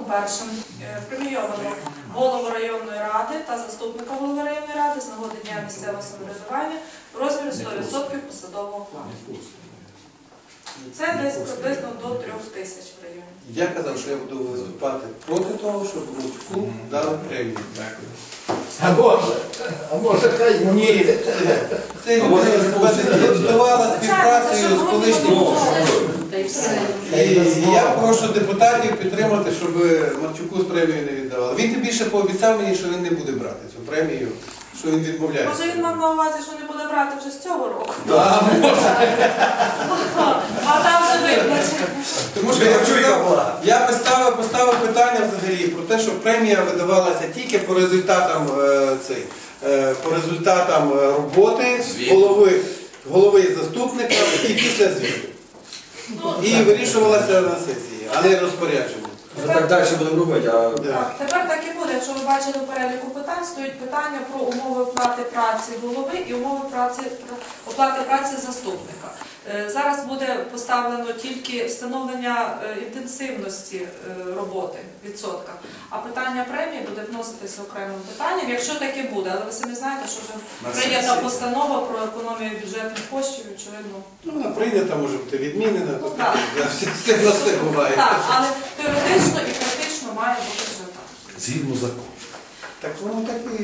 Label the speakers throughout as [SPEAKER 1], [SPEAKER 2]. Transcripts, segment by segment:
[SPEAKER 1] пунктом першим премійовано голову районної ради та заступника голови районної ради з нагоди Дня місцевого самоврядування в розмірі 100% посадового окладу. Це десь приблизно до 3 тисяч в районі.
[SPEAKER 2] Я казав, що я буду виступати проти того, щоб Мовчуку дали премію. Дякую.
[SPEAKER 3] А може хай ні.
[SPEAKER 2] Це давала співпрацею з колишнім. І я прошу депутатів підтримати, щоб Марчуку з премією не віддавали. Він тим більше пообіцяв мені, що він не буде брати цю премію, що він відмовляється.
[SPEAKER 1] Може він мав на увазі, що не буде брати вже з цього року?
[SPEAKER 2] Так, може.
[SPEAKER 1] А там вже виплачено.
[SPEAKER 2] Тому що я поставив питання взагалі про те, що премія видавалася тільки по результатам роботи голови і заступника і після звіту. І вирішувалася на сесії, а не розпорядження.
[SPEAKER 4] Так далі будемо робити.
[SPEAKER 1] Так, тепер так і буде. Якщо ви бачили в переліку питань, стоїть питання про умови оплати праці голови і умови оплати праці заступника. Зараз буде поставлено тільки встановлення інтенсивності роботи в відсотках, а питання премії буде вноситися окремим питанням, якщо таке буде. Але ви самі знаєте, що вже прийнята постанова про економію бюджетних коштів, очевидно.
[SPEAKER 2] Ну, вона прийнята, може бути відмінена,
[SPEAKER 1] Ну, так.
[SPEAKER 2] все на все буває.
[SPEAKER 1] Так, але теоретично і практично має бути вже так.
[SPEAKER 3] Згідно закону.
[SPEAKER 2] Так воно так і...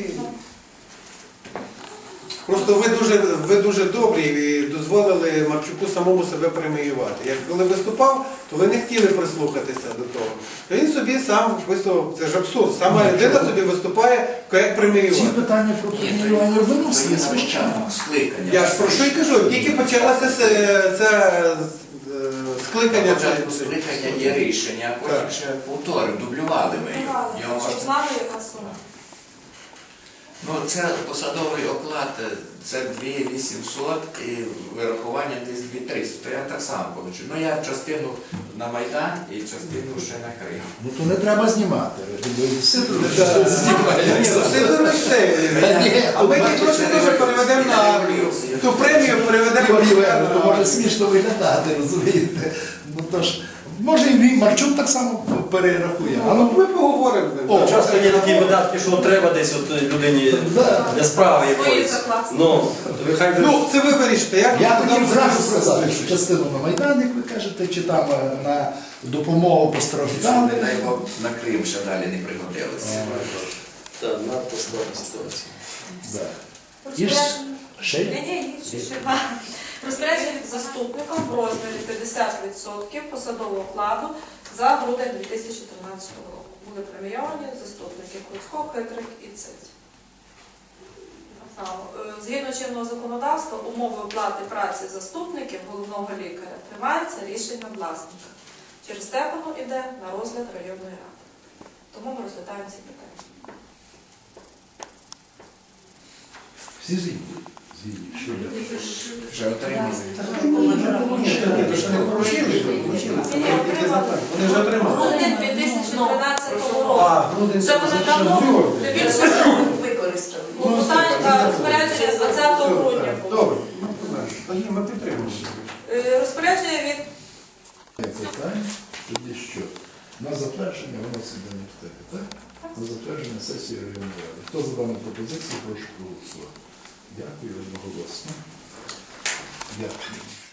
[SPEAKER 2] Просто ви дуже добрі і дозволили Марчуку самому себе преміювати. Як коли виступав, то ви не хотіли прислухатися до того. Він собі сам виступав, це ж абсурд, сама людина собі виступає, як преміювати.
[SPEAKER 3] Ці питання про преміювання виносили звичайно.
[SPEAKER 2] Я ж про що й кажу, тільки почалося це скликання.
[SPEAKER 5] Початку скликання є рішення, а потім ще повторив, дублювали ми його.
[SPEAKER 1] Щоб знали, яка сума.
[SPEAKER 5] Ну, це посадовий оклад, це 2800 і вирахування десь 2300, то я так само получу. Ну, я частину на Майдан і частину ще на Крим.
[SPEAKER 3] Ну то не треба знімати.
[SPEAKER 2] А ми ті гроші дуже переведемо на ту премію, переведемо на...
[SPEAKER 3] То може смішно виглядати, розумієте? Ну то ж, може і Марчук так само перерахує.
[SPEAKER 2] Ми поговоримо.
[SPEAKER 4] Часто є такі видатки, що треба десь людині для справи якоїсь.
[SPEAKER 2] Ну, це ви вирішите.
[SPEAKER 3] Я хотів зразу сказати, що частину на Майдан, як ви кажете, чи там на допомогу постраждалим.
[SPEAKER 5] Не дай Бог на Крим ще далі не пригодилися.
[SPEAKER 4] Так, надто складна ситуація.
[SPEAKER 3] Ще є?
[SPEAKER 1] Ні, ще два. Розпорядження заступником в розмірі 50% посадового окладу за грудень 2013 року. Були премійовані заступники Круцько, Хитрик і Цить. Згідно чинного законодавства, умови оплати праці заступників головного лікаря приймається рішенням власника. Через те воно йде на розгляд районної ради. Тому ми розглядаємо ці питання.
[SPEAKER 3] Всі згідні.
[SPEAKER 5] Вже отримали.
[SPEAKER 2] Вони вже отримали.
[SPEAKER 1] Грудень 2013 року. Вже вони давно більше використали. Розпорядження з 20 грудня було.
[SPEAKER 2] Добре, тоді ми підтримуємо.
[SPEAKER 1] Розпорядження від...
[SPEAKER 3] Тоді що? На затвердження виносить до університету, так? На затвердження сесії районної ради. Хто за дану пропозицію, прошу проголосувати. Дякую, одноголосно. Дякую.